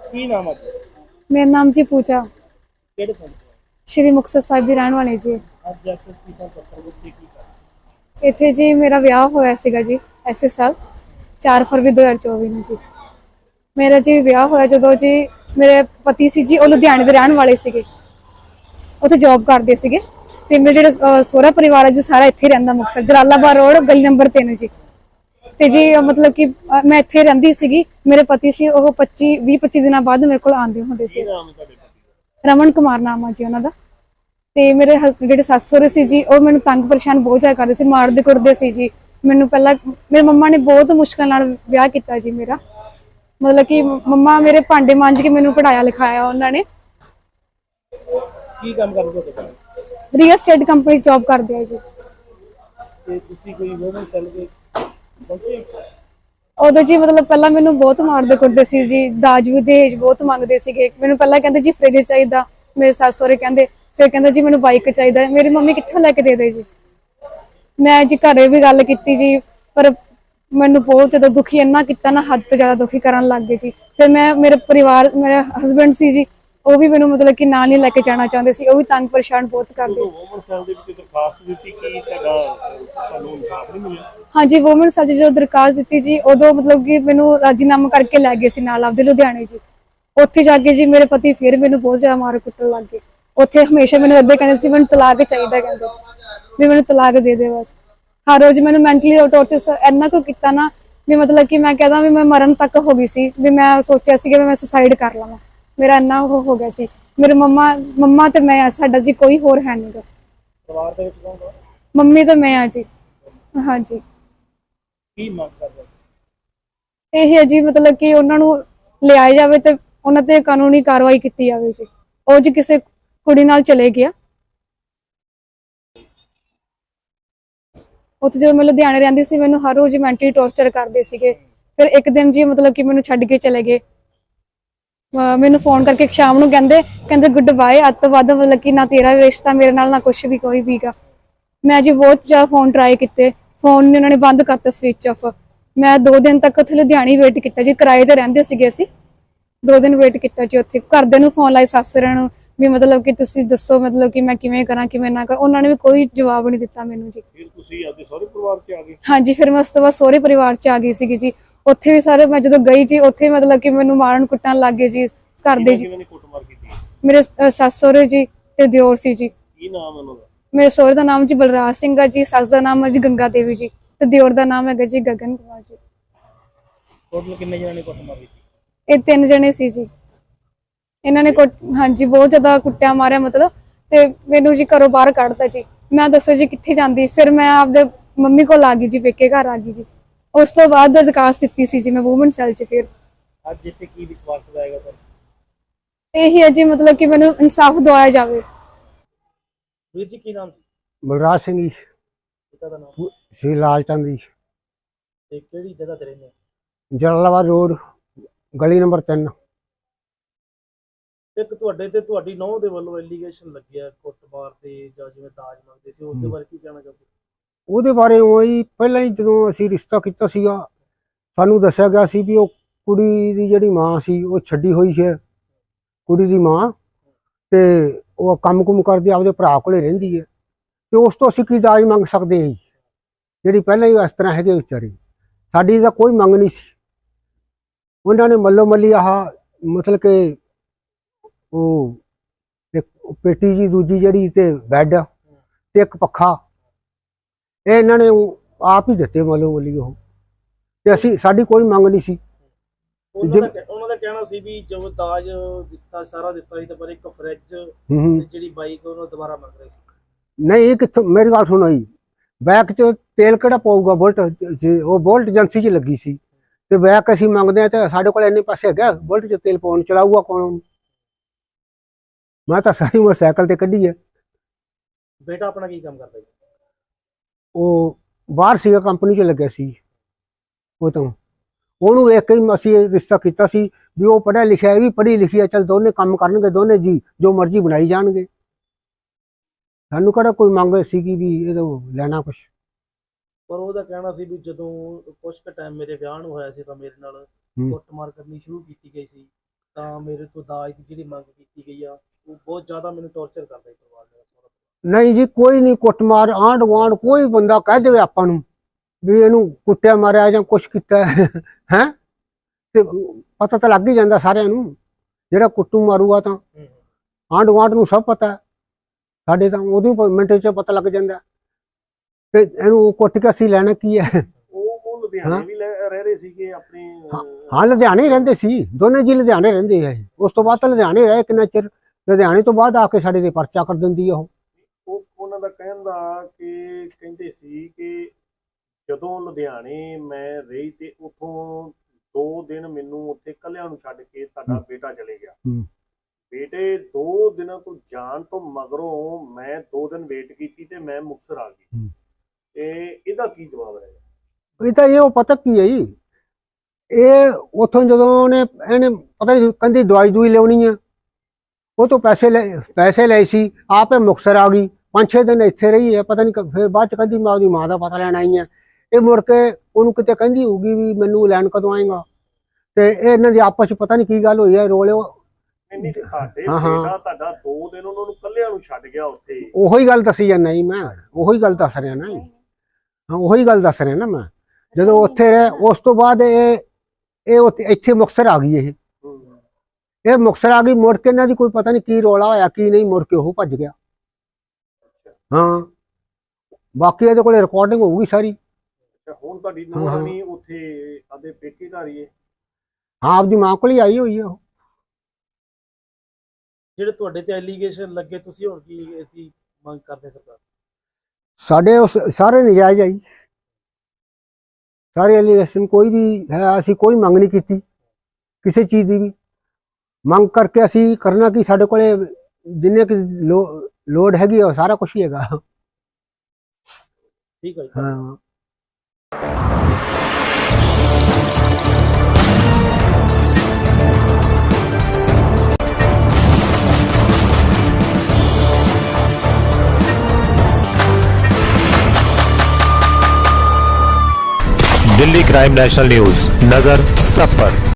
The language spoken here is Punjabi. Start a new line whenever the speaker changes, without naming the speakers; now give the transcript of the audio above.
ਕੀ ਨਾਮ ਆ ਜੀ?
ਮੇਰਾ ਨਾਮ ਜੀ ਪੂਜਾ,
ਕਿਹੜੇ ਪਿੰਡ ਤੋਂ?
ਸ਼੍ਰੀ ਮੁਕਤਸਰ ਸਾਹਿਬ ਦੀ ਰਹਿਣ ਵਾਲੀ ਜੀ।
ਅੱਜ ਐਸਐਸਪੀ ਸਾਹਿਬ ਦਫ਼ਤਰ ਵਿੱਚ ਕੀ ਕਰ?
ਇੱਥੇ ਜੀ ਮੇਰਾ ਵਿਆਹ ਹੋਇਆ ਸੀਗਾ ਜੀ ਐਸੇ ਸਾਲ 4 ਫਰਵਰੀ 2024 ਨੂੰ ਜੀ। ਮੇਰਾ ਜੀ ਵਿਆਹ ਹੋਇਆ ਜਦੋਂ ਜੀ ਮੇਰੇ ਪਤੀ ਸੀ ਜੀ, ਉਹ ਲੁਧਿਆਣੇ ਦੇ ਰਹਿਣ ਵਾਲੇ ਸੀਗੇ, ਉੱਥੇ ਜੌਬ ਕਰਦੇ ਸੀਗੇ। ਤੇ ਮੇਰੇ ਜਿਹੜਾ ਸਹੁਰਾ ਪਰਿਵਾਰ ਹੈ ਜੀ ਸਾਰਾ ਇੱਥੇ ਰਹਿੰਦਾ, ਮੁਕਤਸਰ ਜਲਾਲਾਬਾਦ ਰੋਡ ਗਲੀ ਨੰਬਰ 3 ਜੀ। ਤੇ ਜੀ ਮਤਲਬ ਕਿ ਮੈਂ ਇੱਥੇ ਰਹਿੰਦੀ ਸੀਗੀ। ਮੇਰੇ ਪਤੀ ਸੀ ਉਹ 20-25 ਦਿਨਾਂ ਬਾਅਦ ਮੇਰੇ ਕੋਲ ਆਉਂਦੇ ਹੁੰਦੇ ਸੀ।
ਕੀ ਨਾਮ ਹੈ ਤੁਹਾਡੇ ਪਤੀ ਦਾ?
ਰਮਨ ਕੁਮਾਰ ਨਾਮ ਆ ਜੀ ਉਹਨਾਂ ਦਾ। ਤੇ ਮੇਰੇ ਜਿਹੜੇ ਸੱਸ ਸਹੁਰੇ ਸੀ ਜੀ, ਉਹ ਮੈਨੂੰ ਤੰਗ ਪਰੇਸ਼ਾਨ ਬਹੁਤ ਜ਼ਿਆਦਾ ਕਰਦੇ ਸੀ, ਮਾਰਦੇ ਕੁੱਟਦੇ ਸੀ ਜੀ ਮੈਨੂੰ। ਪਹਿਲਾਂ ਮੇਰੇ ਮੰਮਾ ਨੇ ਬਹੁਤ ਮੁਸ਼ਕਲ ਨਾਲ ਵਿਆਹ ਕੀਤਾ ਜੀ ਮੇਰਾ। ਮਤਲਬ ਕਿ ਮੰਮਾ ਮੇਰੇ ਭਾਂਡੇ ਮਾਂਜ ਕੇ ਮੈਨੂੰ ਪੜਾਇਆ ਲਿਖਾਇਆ ਉਹਨਾਂ ਨੇ।
ਕੀ ਕੰਮ ਕਰਦੇ ਤੁਹਾਡੇ ਘਰ?
ਰੀਅਲ ਐਸਟੇਟ ਕੰਪਨੀ ਜੌਬ ਕਰਦੇ ਆ ਜੀ।
ਤੇ ਤੁਸੀਂ ਕੋਈ ਵੋਮਨ ਸੈੱਲ ਦੇ ਪਹੁੰਚੇ?
ਉਦੋਂ ਜੀ ਮਤਲਬ ਪਹਿਲਾਂ ਮੈਨੂੰ ਬਹੁਤ ਮਾਰਦੇ ਕੁੱਟਦੇ ਸੀ ਜੀ, ਦਾਜ ਵੀ ਦਹੇਜ ਬਹੁਤ ਮੰਗਦੇ ਸੀਗੇ। ਮੈਨੂੰ ਪਹਿਲਾਂ ਕਹਿੰਦੇ ਜੀ ਫ੍ਰਿਜ ਚਾਹੀਦਾ, ਮੇਰੇ ਸੱਸ ਸਹੁਰੇ ਕਹਿੰਦੇ। ਫਿਰ ਕਹਿੰਦਾ ਜੀ ਮੈਨੂੰ ਬਾਈਕ ਚਾਹੀਦਾ। ਮੇਰੀ ਮੰਮੀ ਕਿੱਥੋਂ ਲੈ ਕੇ ਦੇ ਜੀ। ਮੈਂ ਜੀ ਘਰੇ ਵੀ ਗੱਲ ਕੀਤੀ ਜੀ, ਪਰ ਮੈਨੂੰ ਬਹੁਤ ਜ਼ਿਆਦਾ ਦੁਖੀ ਇੰਨਾ ਕੀਤਾ ਨਾ, ਹੱਦ ਤੋਂ ਜ਼ਿਆਦਾ ਦੁਖੀ ਕਰਨ ਲੱਗ ਗਏ ਜੀ। ਫਿਰ ਮੇਰੇ ਪਰਿਵਾਰ, ਮੇਰੇ ਹਸਬੈਂਡ ਸੀ ਜੀ, ਉਹ ਵੀ ਮੈਨੂੰ ਮਤਲਬ ਕਿ ਨਾਲ ਨਹੀਂ ਲੈ ਕੇ ਜਾਣਾ ਚਾਹੁੰਦੇ ਸੀ। ਉਹ ਵੀ ਤੰਗ ਪਰੇਸ਼ਾਨ ਬਹੁਤ ਕਰਦੇ ਸੀ।
ਵੋਮਨ ਸੈੱਲ ਦੇ ਵਿੱਚ ਦਰਖਾਸਤ ਦਿੱਤੀ ਕਿ ਤੁਹਾਨੂੰ ਇਨਸਾਫ ਨਹੀਂ ਮਿਲਿਆ?
ਹਾਂਜੀ, ਵੂਮਨ ਸੈੱਲ ਜਦੋਂ ਦਰਖਾਸਤ ਦਿੱਤੀ ਜੀ, ਉਦੋਂ ਮਤਲਬ ਕਿ ਮੈਨੂੰ ਰਾਜੀਨਾਮਾ ਕਰਕੇ ਲੈ ਗਏ ਸੀ ਨਾਲ ਆਪਦੇ ਲੁਧਿਆਣੇ ਜੀ। ਉੱਥੇ ਜਾ ਕੇ ਜੀ ਮੇਰੇ ਪਤੀ ਫਿਰ ਮੈਨੂੰ ਬਹੁਤ ਜ਼ਿਆਦਾ ਮਾਰ ਕੁੱਟਣ ਲੱਗ ਗਏ। ਉੱਥੇ ਹਮੇਸ਼ਾ ਮੈਨੂੰ ਏਦਾਂ ਕਹਿੰਦੇ ਸੀ ਮੈਨੂੰ ਤਲਾਕ ਚਾਹੀਦਾ, ਕਹਿੰਦੇ ਵੀ ਮੈਨੂੰ ਤਲਾਕ ਦੇ ਦੇ ਬਸ। ਹਰ ਰੋਜ਼ ਮੈਨੂੰ ਮੈਂਟਲੀ ਟੌਰਚਰ ਇੰਨਾ ਕੁ ਕੀਤਾ ਨਾ ਵੀ ਮਤਲਬ ਕਿ ਮੈਂ ਕਹਿੰਦਾ ਵੀ ਮੈਂ ਮਰਨ ਤੱਕ ਹੋ ਗਈ ਸੀ। ਵੀ ਮੈਂ ਸੋਚਿਆ ਸੀ ਕਿ ਮੈਂ ਸੁਸਾਈਡ ਕਰ ਲਵਾਂ, ਮੇਰਾ ਇੰਨਾ ਉਹ ਹੋ ਗਿਆ ਸੀ। ਮੇਰੇ ਮੰਮਾ ਤੇ ਮੈਂ, ਸਾਡਾ ਜੀ ਕੋਈ ਹੋਰ ਹੈ ਨਹੀਂ ਗਾ।
ਪਰਿਵਾਰ ਦੇ ਵਿੱਚ ਕੌਣ ਕੌਣ?
ਮੰਮੀ ਤੇ ਮੈਂ ਆ ਜੀ। ਹਾਂਜੀ,
ਕੀ ਮੰਗ ਕਰਦੇ ਹੋ?
ਇਹ ਹੈ ਜੀ ਮਤਲਬ ਕਿ ਉਹਨਾਂ ਨੂੰ ਲਿਆਇਆ ਜਾਵੇ ਤੇ ਉਹਨਾਂ ਤੇ ਕਾਨੂੰਨੀ ਕਾਰਵਾਈ ਕੀਤੀ ਜਾਵੇ ਜੀ। ਉਹ ਜੀ ਕਿਸੇ ਕੁੜੀ ਨਾਲ ਚਲੇ ਗਿਆ। ਉੱਥੇ ਜਦੋਂ ਮੈਂ ਲੁਧਿਆਣੇ ਰਹਿੰਦੀ ਸੀ, ਮੈਨੂੰ ਹਰ ਰੋਜ਼ ਮੈਂਟਲੀ ਟੌਰਚਰ ਕਰਦੇ ਸੀਗੇ। ਫਿਰ ਇੱਕ ਦਿਨ ਜੀ ਮਤਲਬ ਕਿ ਮੈਨੂੰ ਛੱਡ ਕੇ ਚਲੇ ਗਏ। ਮੈਨੂੰ ਫੋਨ ਕਰਕੇ ਸ਼ਾਮ ਨੂੰ ਕਹਿੰਦੇ ਗੁੱਡ ਬਾਏ, ਅੱਜ ਤੋਂ ਬਾਅਦ ਮਤਲਬ ਕਿ ਨਾ ਤੇਰਾ ਰਿਸ਼ਤਾ ਮੇਰੇ ਨਾਲ, ਨਾ ਕੁਛ ਵੀ ਕੋਈ ਵੀਗਾ। ਮੈਂ ਜੀ ਬਹੁਤ ਜ਼ਿਆਦਾ ਫੋਨ ਟਰਾਈ ਕੀਤੇ, ਫੋਨ ਉਹਨਾਂ ਨੇ ਬੰਦ ਕਰਤਾ, ਸਵਿਚ ਆਫ। ਮੈਂ 2 ਦਿਨ ਤੱਕ ਉੱਥੇ ਲੁਧਿਆਣੇ ਵੇਟ ਕੀਤਾ ਜੀ, ਕਿਰਾਏ ਤੇ ਰਹਿੰਦੇ ਸੀਗੇ ਅਸੀਂ। 2 ਦਿਨ ਵੇਟ ਕੀਤਾ ਜੀ ਉੱਥੇ। ਘਰਦਿਆਂ ਨੂੰ ਫੋਨ ਲਾਏ, ਸੱਸ-ਸਹੁਰਿਆਂ ਨੂੰ, ਵੀ ਮਤਲਬ ਕਿ ਤੁਸੀਂ ਦੱਸੋ ਮਤਲਬ ਕਿ ਮੈਂ ਕਿਵੇਂ ਕਰਾਂ ਕਿਵੇਂ ਨਾ ਕਰਾਂ। ਉਹਨਾਂ ਨੇ ਵੀ ਕੋਈ ਜਵਾਬ ਨਹੀਂ ਦਿੱਤਾ ਮੈਨੂੰ ਜੀ।
ਫਿਰ ਤੁਸੀਂ ਆਪਦੇ ਸਹੁਰੇ ਪਰਿਵਾਰ 'ਚ ਆ ਗਏ?
ਹਾਂਜੀ, ਫਿਰ ਮੈਂ ਉਸ ਤੋਂ ਬਾਅਦ ਸਹੁਰੇ ਪਰਿਵਾਰ 'ਚ ਆ ਗਈ ਸੀਗੀ ਜੀ। ਉੱਥੇ ਵੀ ਸਾਰੇ ਮੈਂ ਜਦੋਂ ਗਈ ਜੀ, ਉੱਥੇ ਮਤਲਬ ਕਿ ਮੈਨੂੰ ਮਾਰਨ ਕੁੱਟਣ ਲੱਗ ਗਏ ਜੀ ਘਰਦੇ ਜੀ।
ਕਿਹਨਾਂ ਨੇ ਕੁੱਟਮਾਰ ਕੀਤੀ?
ਮੇਰੇ ਸੱਸ ਸਹੁਰੇ ਜੀ ਤੇ ਦਿਓਰ ਸੀ ਜੀ।
ਕੀ ਨਾਮ ਉਹਨਾਂ ਦਾ?
ਮੇਰੇ ਸਹੁਰੇ ਦਾ ਨਾਮ ਜੀ ਬਲਰਾਜ ਸਿੰਘ ਆ ਜੀ, ਸੱਸ ਦਾ ਨਾਮ ਹੈ ਜੀ ਗੰਗਾ ਦੇਵੀ ਜੀ, ਤੇ ਦਿਓਰ ਦਾ ਨਾਮ ਹੈਗਾ ਜੀ ਗਗਨ ਕੁਮਾਰ ਜੀ।
ਟੋਟਲ ਕਿੰਨੇ ਜਣਾਂ ਨੇ ਕੁੱਟਮਾਰ ਕੀਤੀ?
ਇਹ 3 ਜਣੇ ਸੀ ਜੀ। ਇਹਨਾਂ ਨੇ ਹਾਂਜੀ ਬਹੁਤ ਜ਼ਿਆਦਾ ਕੁੱਟਿਆ ਮਾਰਿਆ ਮਤਲਬ। ਤੇ ਮੈਨੂੰ ਜੀ ਘਰੋਂ ਬਾਹਰ ਕੱਢਤਾ ਜੀ। ਮੈਂ ਦੱਸੋ ਜੀ ਕਿੱਥੇ ਜਾਂਦੀ। ਫਿਰ ਮੈਂ ਆਪਦੇ ਮੰਮੀ ਕੋਲ ਆ ਗਈ ਜੀ, ਪੇਕੇ ਘਰ ਆ ਗਈ ਜੀ। ਉਸ ਤੋਂ ਬਾਅਦ ਦਰਖਾਸਤ ਦਿੱਤੀ ਸੀ ਜੀ ਮੈਂ ਵੂਮਨ ਸੈੱਲ 'ਚ। ਫਿਰ
ਅੱਜ ਇੱਥੇ ਕੀ ਵਿਸ਼ਵਾਸ ਦਿਵਾਏਗਾ ਤੁਹਾਨੂੰ?
ਇਹੀ ਹੈ ਜੀ ਮਤਲਬ ਕਿ ਮੈਨੂੰ ਇਨਸਾਫ ਦਿਵਾਇਆ ਜਾਵੇ।
ਵੀਰ ਜੀ ਕੀ ਨਾਮ ਸੀ?
ਬਲਰਾਜ ਸਿੰਘ ਜੀ,
ਪਿਤਾ ਦਾ ਨਾਮ?
ਸ਼੍ਰੀ ਲਾਲ ਚੰਦ ਜੀ,
ਤੇ ਕਿਹੜੀ ਜਗ੍ਹਾ ਤੇ ਰਹਿੰਦੇ?
ਜਲਾਲਾਬਾਦ ਰੋਡ ਗਲੀ ਨੰਬਰ 3।
ਇੱਕ ਤੁਹਾਡੇ ਤੇ ਤੁਹਾਡੀ ਨੂੰਹ ਦੇ ਵੱਲੋਂ ਐਲੀਗੇਸ਼ਨ ਲੱਗਿਆ ਕੁੱਟਮਾਰ ਤੇ, ਜਾਂ ਜਿਵੇਂ ਦਾਜ ਮੰਗਦੇ ਸੀ, ਉਸ ਦੇ ਬਾਰੇ ਕੀ ਕਹਿਣਾ ਚਾਹੋਗੇ?
ਉਹਦੇ ਬਾਰੇ ਉਹੀ ਪਹਿਲਾਂ ਹੀ ਜਦੋਂ ਅਸੀਂ ਰਿਸ਼ਤਾ ਕੀਤਾ ਸੀਗਾ, ਸਾਨੂੰ ਦੱਸਿਆ ਗਿਆ ਸੀ ਵੀ ਉਹ ਕੁੜੀ ਦੀ ਜਿਹੜੀ ਮਾਂ ਸੀ ਉਹ ਛੱਡੀ ਹੋਈ ਸੀ, ਕੁੜੀ ਦੀ ਮਾਂ, ਤੇ ਉਹ ਕੰਮ-ਕੁਮ ਕਰਦੀ ਆਪਦੇ ਭਰਾ ਕੋਲੇ ਰਹਿੰਦੀ ਹੈ। ਤੇ ਉਸ ਤੋਂ ਅਸੀਂ ਕੀ ਦਾਜ ਮੰਗ ਸਕਦੇ ਹਾਂ ਜਿਹੜੀ ਪਹਿਲਾਂ ਹੀ ਇਸ ਤਰ੍ਹਾਂ ਹੈਗੇ ਵਿਚਾਰੀ। ਸਾਡੀ ਤਾਂ ਕੋਈ ਮੰਗ ਨਹੀਂ ਸੀ। ਉਹਨਾਂ ਨੇ ਮੱਲੋ ਮੱਲੀ ਆਹ ਮਤਲਬ ਕਿ ਉਹ ਇੱਕ ਪੇਟੀ ਜੀ, ਦੂਜੀ ਜਿਹੜੀ ਤੇ ਬੈੱਡ ਤੇ ਇੱਕ ਪੱਖਾ, ਇਹ ਇਹਨਾਂ ਨੇ ਆਪ ਹੀ ਦਿੱਤੇ ਮੱਲੋ ਮੱਲੀ ਉਹ। ਤੇ ਅਸੀਂ, ਸਾਡੀ ਕੋਈ ਮੰਗ ਨਹੀਂ ਸੀ।
ਉਹਨਾਂ ਦਾ ਕਹਿਣਾ ਸੀ ਵੀ ਜੋ ਦਾਜ ਦਿੱਤਾ ਸਾਰਾ ਦਿੱਤਾ ਸੀ, ਤੇ ਪਰ ਇੱਕ ਫ੍ਰਿਜ ਤੇ ਜਿਹੜੀ ਬਾਈਕ ਉਹਨੂੰ ਦੁਬਾਰਾ ਮੰਗ ਰਹੇ ਸੀ।
ਨਹੀਂ, ਇਹ ਕਿੱਥੋਂ, ਮੇਰੀ ਗੱਲ ਸੁਣੋ ਜੀ, ਬੈਕ 'ਚ ਤੇਲ ਕਿਹੜਾ ਪਊਗਾ? ਬੁਲਟ, ਉਹ ਬੁਲਟ ਏਜੰਸੀ 'ਚ ਲੱਗੀ ਸੀ, ਤੇ ਬੈਕ ਅਸੀਂ ਮੰਗਦੇ ਹਾਂ ਤੇ ਸਾਡੇ ਕੋਲ ਇੰਨੇ ਪੈਸੇ ਹੈਗਾ ਬੁਲਟ 'ਚ ਤੇਲ ਪਾਉਣ? ਚਲਾਊਗਾ ਕੌਣ? ਮੈਂ ਤਾਂ ਸਾਰੀ ਉਮਰ ਸਾਈਕਲ ਤੇ ਕੱਢੀ ਹੈ।
ਬੇਟਾ ਆਪਣਾ ਕੀ ਕੰਮ ਕਰਦਾ ਜੀ?
ਉਹ ਬਾਹਰ ਸੀਗਾ, ਕੰਪਨੀ 'ਚ ਲੱਗਿਆ ਸੀ। ਉਹ ਤਾਂ ਉਹਨੂੰ ਵੇਖ ਕੇ ਹੀ ਅਸੀਂ ਰਿਸ਼ਤਾ ਕੀਤਾ ਸੀ ਵੀ ਉਹ ਪੜ੍ਹਿਆ ਲਿਖਿਆ, ਇਹ ਵੀ ਪੜ੍ਹੀ ਲਿਖੀ ਹੈ, ਚੱਲ ਦੋਨੇ ਕੰਮ ਕਰਨਗੇ, ਦੋਨੇ ਜੀ ਜੋ ਮਰਜ਼ੀ ਬਣਾਈ ਜਾਣਗੇ। ਸਾਨੂੰ ਕਿਹੜਾ ਕੋਈ ਮੰਗ ਸੀਗੀ ਵੀ ਇਹ ਲੈਣਾ ਕੁਛ।
ਪਰ ਉਹਦਾ ਕਹਿਣਾ ਸੀ ਵੀ ਜਦੋਂ ਕੁਝ ਕੁ ਟਾਈਮ ਮੇਰੇ ਵਿਆਹ ਨੂੰ ਹੋਇਆ ਸੀ ਤਾਂ ਮੇਰੇ ਨਾਲ ਕੁੱਟਮਾਰ ਕਰਨੀ ਸ਼ੁਰੂ ਕੀਤੀ ਗਈ ਸੀ, ਤਾਂ ਮੇਰੇ ਤੋਂ ਦਾਜ ਦੀ ਜਿਹੜੀ ਮੰਗ ਕੀਤੀ ਗਈ ਆ ਉਹ ਬਹੁਤ ਜ਼ਿਆਦਾ ਮੈਨੂੰ ਟੌਰਚਰ ਕਰਦਾ ਜੀ ਪਰਿਵਾਰ ਮੇਰਾ ਸਾਰਾ।
ਨਹੀਂ ਜੀ, ਕੋਈ ਨਹੀਂ ਕੁੱਟਮਾਰ, ਆਂਢ ਗੁਆਂਢ ਕੋਈ ਬੰਦਾ ਕਹਿ ਦੇਵੇ ਆਪਾਂ ਨੂੰ ਵੀ ਇਹਨੂੰ ਕੁੱਟਿਆ ਮਾਰਿਆ ਜਾਂ ਕੁਛ ਕੀਤਾ ਹੈ ਤੇ ਪਤਾ ਤਾਂ ਲੱਗ ਹੀ ਜਾਂਦਾ ਸਾਰਿਆਂ ਨੂੰ। ਜਿਹੜਾ ਕੁੱਟੂ ਮਾਰੂਗਾ ਤਾਂ ਆਂਢ ਗੁਆਂਢ ਨੂੰ ਸਭ ਪਤਾ ਹੈ, ਸਾਡੇ ਤਾਂ ਉਹਦੀ ਮਿੰਟ 'ਚ ਪਤਾ ਲੱਗ ਜਾਂਦਾ ਤੇ ਇਹਨੂੰ ਕੁੱਟ ਕੇ ਅਸੀਂ ਲੈਣਾ ਕੀ ਹੈ।
ਉਹ ਲੁਧਿਆਣੇ ਵੀ ਰਹਿ ਰਹੇ ਸੀਗੇ ਆਪਣੇ
ਹਾਂ, ਲੁਧਿਆਣੇ ਹੀ ਰਹਿੰਦੇ ਸੀ, ਦੋਨੇ ਜੀ ਲੁਧਿਆਣੇ ਰਹਿੰਦੇ ਹੈ। ਉਸ ਤੋਂ ਬਾਅਦ ਤਾਂ ਲੁਧਿਆਣੇ ਰਹੇ ਕਿੰਨਾ ਚਿਰ, ਲੁਧਿਆਣੇ ਤੋਂ ਬਾਅਦ ਆ ਕੇ ਸਾਡੇ ਤੇ ਪਰਚਾ ਕਰ ਦਿੰਦੀ ਆ ਉਹ।
ਉਹਨਾਂ ਦਾ ਕਹਿਣ ਦਾ ਕਿ ਕਹਿੰਦੇ ਸੀ ਕਿ ਜਦੋਂ ਲੁਧਿਆਣੇ ਮੈਂ ਰਹੀ ਤੇ ਉਥੋਂ 2 ਦਿਨ ਮੈਨੂੰ ਉੱਥੇ ਕੱਲਿਆਂ ਨੂੰ ਛੱਡ ਕੇ ਤੁਹਾਡਾ ਬੇਟਾ ਚਲੇ ਗਿਆ। ਬੇਟੇ 2 ਦਿਨਾਂ ਤੋਂ ਜਾਣ ਤੋਂ ਮਗਰੋਂ ਮੈਂ 2 ਦਿਨ ਵੇਟ ਕੀਤੀ ਤੇ ਮੈਂ ਮੁਕਤਸਰ ਆ ਗਈ। ਤੇ ਇਹਦਾ ਕੀ ਜਵਾਬ ਹੈ?
ਇਹ ਤਾਂ ਇਹ ਪਤਾ ਕੀ ਹੈ ਜੀ, ਇਹ ਉਥੋਂ ਜਦੋਂ ਇਹਨੇ ਪਤਾ ਨਹੀਂ ਕਹਿੰਦੀ ਦਵਾਈ ਦੂਈ ਲਿਆਉਣੀ ਆ, ਉਹ ਤੋਂ ਪੈਸੇ ਲਏ ਸੀ, ਆਪੇ ਮੁਕਤਸਰ ਆ ਗਈ। 5-6 ਦਿਨ ਇੱਥੇ ਰਹੀ ਹੈ, ਪਤਾ ਨਹੀਂ ਫਿਰ ਬਾਅਦ ਚ ਕਹਿੰਦੀ ਮੈਂ ਉਹਦੀ ਮਾਂ ਦਾ ਪਤਾ ਲੈਣ ਆਈ ਹਾਂ। ਇਹ ਮੁੜ ਕੇ ਉਹਨੂੰ ਕਿਤੇ ਕਹਿੰਦੀ ਹੋਊਗੀ ਵੀ ਮੈਨੂੰ ਲੈਣ ਕਦੋਂ ਆਏਗਾ, ਤੇ ਇਹ ਇਹਨਾਂ ਦੀ ਆਪਸ ਚ ਪਤਾ ਨਹੀਂ ਕੀ ਗੱਲ ਹੋਈ ਹੈ, ਰੋਲੇ।
ਤੁਹਾਡਾ 2 ਦਿਨ ਉਹਨਾਂ ਨੂੰ ਕੱਲਿਆਂ ਨੂੰ ਛੱਡ ਗਿਆ ਉੱਥੇ।
ਉਹੀ ਗੱਲ ਦੱਸੀ ਜਾਂਦਾ ਜੀ ਮੈਂ, ਉਹੀ ਗੱਲ ਦੱਸ ਰਿਹਾ ਨਾ, ਉਹੀ ਗੱਲ ਦੱਸ ਰਿਹਾ ਨਾ ਮੈਂ। ਜਦੋਂ ਉੱਥੇ ਰਹੇ ਉਸ ਤੋਂ ਬਾਅਦ ਇਹ ਇੱਥੇ ਮੁਕਤਸਰ ਆ ਗਈ। ਇਹ ਮੁਕਤਸਰ ਆ ਗਈ, ਮੁੜ ਕੇ ਇਹਨਾਂ ਦੀ ਕੋਈ ਪਤਾ ਨਹੀਂ ਕੀ ਰੋਲਾ ਹੋਇਆ ਕੀ ਨਹੀਂ, ਮੁੜ ਕੇ ਉਹ ਭੱਜ ਗਿਆ। ਹਾਂ, ਬਾਕੀ ਇਹਦੇ ਕੋਲੇ ਰਿਕਾਰਡਿੰਗ ਹੋਊਗੀ ਸਾਰੀ।
ਹੁਣ ਤੁਹਾਡੀ ਨੂੰਹ ਉੱਥੇ ਆਦੇ ਪੇਕੇ ਘਰ ਹੀ ਹੈ?
ਹਾਂ, ਆਪਦੀ ਮਾਂ ਕੋਲ ਹੀ ਆਈ ਹੋਈ ਹੈ ਉਹ।
ਜਿਹੜੇ ਤੁਹਾਡੇ ਤੇ ਐਲੀਗੇਸ਼ਨ ਲੱਗੇ, ਤੁਸੀਂ ਹੁਣ ਕੀ ਇਹਦੀ ਮੰਗ ਕਰਦੇ ਸਰਕਾਰ?
ਸਾਡੇ ਸਾਰੇ ਨਜਾਇਜ਼ ਆਈ, ਸਾਰੇ ਐਲੀਗੇਸ਼ਨ ਕੋਈ ਵੀ ਹੈ, ਅਸੀਂ ਕੋਈ ਮੰਗ ਨਹੀਂ ਕੀਤੀ ਕਿਸੇ ਚੀਜ਼ ਦੀ ਵੀ। ਮੰਗ ਕਰਕੇ ਅਸੀਂ ਕਰਨਾ ਕਿ ਸਾਡੇ ਕੋਲੇ ਜਿੰਨੇ ਕਿ ਲੋੜ ਹੈਗੀ ਉਹ ਸਾਰਾ ਕੁਝ ਹੀ ਹੈਗਾ।
ਠੀਕ ਹੈ ਜੀ।
ਹਾਂ।
दिल्ली क्राइम नेशनल न्यूज, नजर सब पर।